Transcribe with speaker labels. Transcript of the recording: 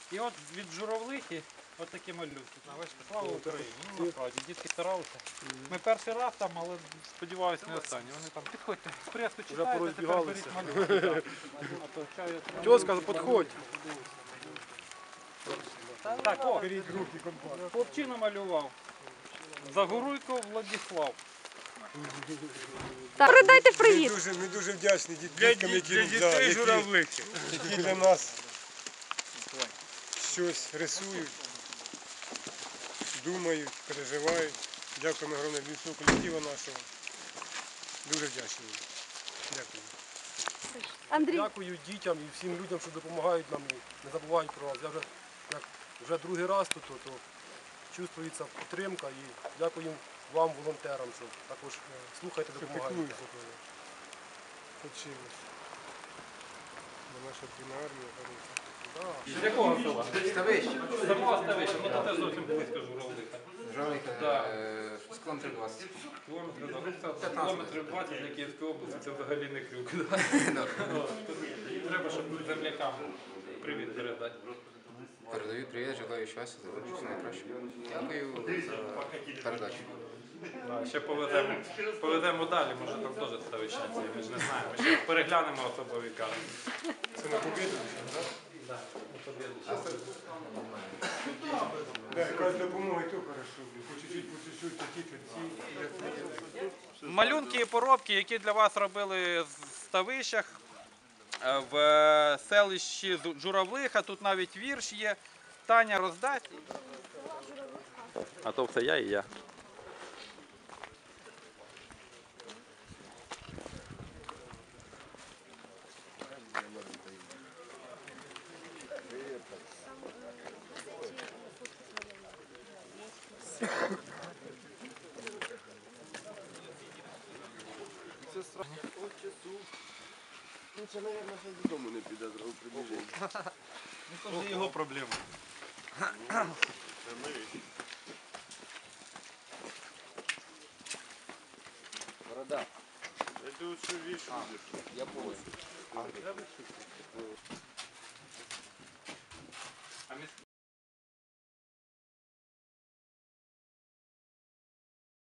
Speaker 1: І от від журавлихи от такі малюнки. Слава Україні. Ну, насправді, дітки старалися. Ми перший раз там, але сподіваюся, не останній. Вони там підходьте, преску читайте, тепер беріть малюнки.
Speaker 2: Чого сказав, підходь.
Speaker 1: Так, о, хлопчина малював. Загоруйко Владислав.
Speaker 3: Передайте привіт.
Speaker 2: Ми дуже вдячні діткам, які для нас щось рисують, думають, переживають. Дякуємо огромне від всього колективу нашого. Дуже вдячні. Дякую.
Speaker 3: Андрій.
Speaker 4: Дякую дітям і всім людям, що допомагають нам, не забувають про нас. Я вже другий раз тут, то чувствується підтримка і дякую вам, волонтерам, що також слухайте, допомагаєте.
Speaker 2: Почилось. Наша дрібна армія хороша.
Speaker 1: З якого села? Ставище. Самого Ставища, ну то теж зовсім близько Журавлиха.
Speaker 5: Журавлиха, з кілометрів 20.
Speaker 1: Кілометрів 20 для Київської області, це взагалі не крюк. Треба, щоб землякам привіт передати.
Speaker 5: Передаю привіт, желаю щастя, здоров'я, все найкраще. Дякую за передачу.
Speaker 1: Ще поведемо далі, може там теж ставищенці, ми ж не знаємо. Ще переглянемо особові карти.
Speaker 2: Це на побіду?
Speaker 1: Так, на побіду.
Speaker 2: Якась допомога, і то хорошо. По чуть-чуть, ці.
Speaker 1: Малюнки і поробки, які для вас робили в Ставищах, в селищі Журавлиха, тут навіть вірш є. Таня роздасть. А то все я і я.
Speaker 6: Ну це, мабуть, ще додому не піде, зразу прибіжить.
Speaker 1: Ну, це його проблема.
Speaker 6: Борода.
Speaker 2: Я тут що вішу.
Speaker 6: Я понял.